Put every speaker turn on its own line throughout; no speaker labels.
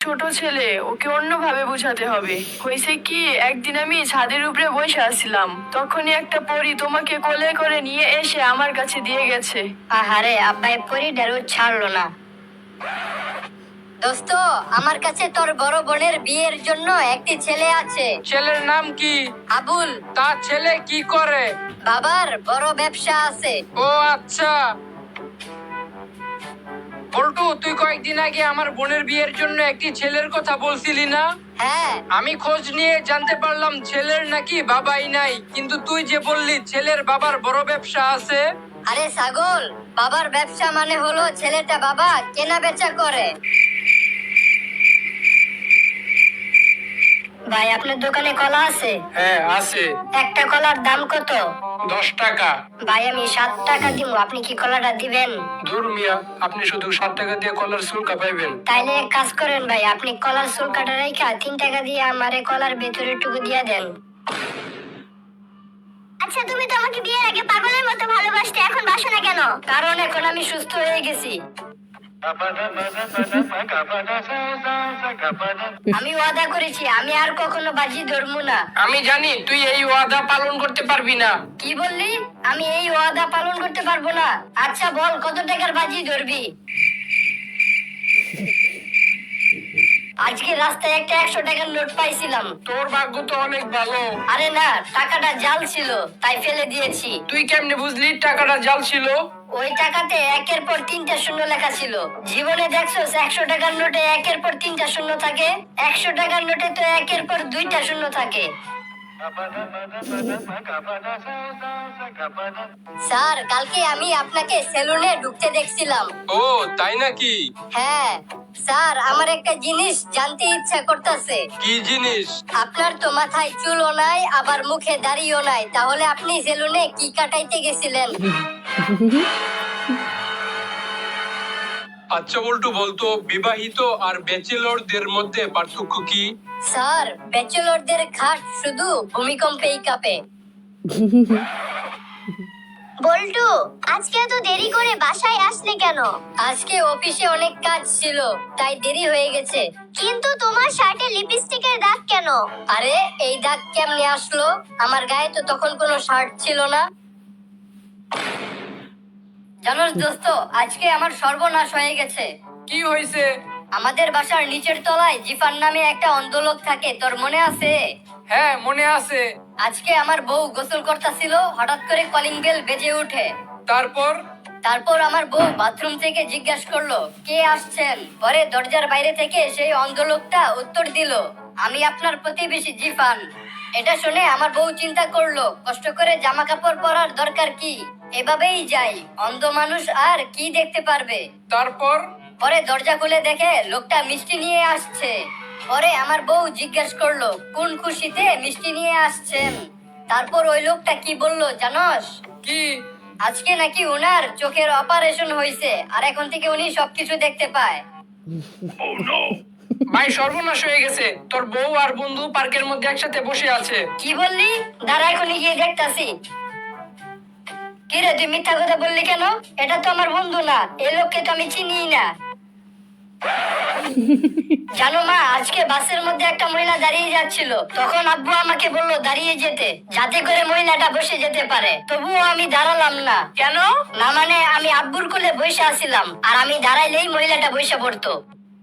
ছোট ছেলে, ওকে অন্যভাবে বোঝাতে হবে। হয়েছে কি, একদিন আমি ছাদের উপরে বসে আছিলাম, তখনই একটা পরী তোমাকে কোলে করে নিয়ে এসে আমার কাছে দিয়ে গেছে।
আহারে, আব্বাই পরীটার ছাড়লো না। দোস্ত, আমার কাছে তোর বড় বোনের বিয়ের জন্য একটি ছেলে আছে।
ছেলের নাম কি?
আবুল।
তার ছেলে কি করে?
বাবার বড় ব্যবসা আছে।
ও আচ্ছা। বল্টু, তুই কয়েকদিন আগে আমার বোনের বিয়ের জন্য একটি ছেলের কথা বলছিলি না?
হ্যাঁ।
আমি খোঁজ নিয়ে জানতে পারলাম ছেলের নাকি বাবাই নাই, কিন্তু তুই যে বললি ছেলের বাবার বড় ব্যবসা আছে।
আরে ছাগল, বাবার ব্যবসা মানে হলো ছেলেটা বাবা কেনা বেচা করে। ভাই, আপনার দোকানে কলা আছে?
হ্যাঁ আছে।
একটা কলার দাম কত?
10 টাকা।
ভাই, আমি 7 টাকা দিব, আপনি কি কলাটা দিবেন?
দূর মিয়া, আপনি শুধু 7 টাকা দিয়ে কলার চুলকা পাইবেন।
তাইলে এক কাজ করেন ভাই, আপনি কলার চুল কাটা রাইখা 3 টাকা দিয়ে আমারে কলার ভেতরের টুকু দিয়ে দেন। আচ্ছা, তুমি তো আমাকে বিয়ের আগে পাগলের মতো ভালোবাসতে, এখন বাসো না কেন? কারণ এখন আমি সুস্থ হয়ে গেছি। আমি ওয়াদা করেছি আমি আর কখনো বাজি ধরবো না।
আমি জানি তুই এই ওয়াদা পালন করতে পারবি না।
কি বললি? আমি এই ওয়াদা পালন করতে পারবো না? আচ্ছা বল, কত টাকার বাজি ধরবি? আজকে রাস্তায় একটা 100 টাকার নোট পাইছিলাম।
তোর ভাগ্য তো অনেক ভালো।
আরে না, টাকাটা জাল ছিল, তাই ফেলে দিয়েছি।
তুই কেমনে বুঝলি টাকাটা জাল ছিল?
ওই টাকাতে 1-এর পর 3টা শূন্য লেখা ছিল। জীবনে দেখছোস 100 টাকার নোটে 1-এর পর 3টা শূন্য থাকে? 100 টাকার নোটে তো 1-এর পর 2টা শূন্য থাকে। স্যার, কালকে আমি আপনাকে সেলুনে ঢুকতে দেখছিলাম।
ও তাই নাকি?
হ্যাঁ স্যার, আমার একটা জিনিস জানতে ইচ্ছা করতেছে।
কি জিনিস?
আপনার তো মাথায় চুলও নাই, আবার মুখে দাড়িও নাই, তাহলে আপনি সেলুনে কি কাটাইতে গেছিলেন?
আচ্ছা বল্টু, বলতো বিবাহিত আর ব্যাচেলরদের মধ্যে পার্থক্য কি?
স্যার, ব্যাচেলরদের খাট শুধু ভূমিকম্পেই কাঁপে। বল্টু, আজকে এত দেরি করে বাসায় আসলে কেন? আজকে অফিসে অনেক কাজ ছিল, তাই দেরি হয়ে গেছে। কিন্তু তোমার শার্টে লিপস্টিকের দাগ কেন? আরে, এই দাগ কেমনে আসলো? আমার গায়ে তো তখন কোনো শার্ট ছিল না। জানোস দোস্ত, আজকে আমার সর্বনাশ হয়ে গেছে।
কি হয়েছে?
আমাদের বাসার নিচের তলায় জিফান নামে একটা অন্ধ লোক থাকে, তোর মনে আছে?
হ্যাঁ মনে আছে।
আজকে আমার বউ গোসল করতেছিল, হঠাৎ করে কলিং বেল বেজে ওঠে। তারপর আমার বউ বাথরুম থেকে জিজ্ঞাসা করলো কে আসছেন। পরে দরজার বাইরে থেকে সেই অন্ধ লোকটা উত্তর দিল, আমি আপনার প্রতিবেশী জিফান। এটা শুনে আমার বউ চিন্তা করলো কষ্ট করে জামা কাপড় পরার দরকার কি, এভাবেই যাই, অন্ধ মানুষ আর কি দেখতে পারবে। পরে দরজা খুলে দেখে লোকটা মিষ্টি নিয়ে আসছে। পরে আমার বউ জিজ্ঞাসা করলো কোন খুশিতে মিষ্টি নিয়ে আসছেন। তারপর ওই লোকটা কি বললো জানোস?
কি?
আজকে নাকি ওনার চোখের অপারেশন হয়েছে, আর এখন থেকে উনি সবকিছু দেখতে পায়।
ভাই, সর্বনাশ হয়ে গেছে। তোর বউ আর বন্ধু পার্কের মধ্যে একসাথে বসে আছে।
কি বললি? দাঁড়া, এখনই গিয়ে দেখতাছি। কি রে, তুই মিথ্যা কথা বললি কেন? এটা তো আমার বন্ধু না, এই লোককে তো আমি চিনি না। জানো মা, আজকে বাসের মধ্যে একটা মহিলা দাঁড়িয়ে যাচ্ছিল, তখন আব্বু আমাকে বললো দাঁড়িয়ে যেতে, যাতে করে মহিলাটা বসে যেতে পারে। তবুও আমি দাঁড়ালাম না।
কেন?
না মানে, আমি আব্বুর কোলে বসে আছিলাম, আর আমি দাঁড়াইলেই মহিলাটা বসে পড়তো।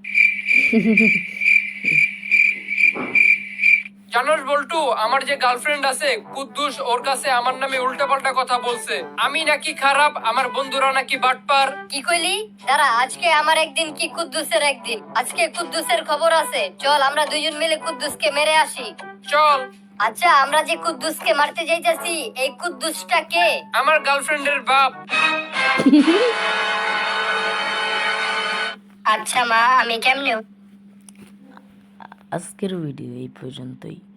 জানোস বল্টু, আমার যে গার্লফ্রেন্ড আছে কুদ্দুস, ওর কাছে আমার নামে উল্টাপাল্টা কথা বলছে। আমি নাকি খারাপ, আমার বন্ধুরা নাকি বাটপার।
কি কইলি? দাঁড়া, আজকে আমার একদিন কি কুদ্দুসের একদিন। আজকে কুদ্দুসের খবর আছে, চল আমরা দুইজন মিলে কুদ্দুসকে মেরে আসি।
চল।
আচ্ছা, আমরা যে কুদ্দুসকে মারতে যাইতেছি, এই কুদ্দুসটা কে?
আমার গার্লফ্রেন্ডের বাপ।
আচ্ছা মা, আমি কেমনে?
আজকের ভিডিও এই পর্যন্তই।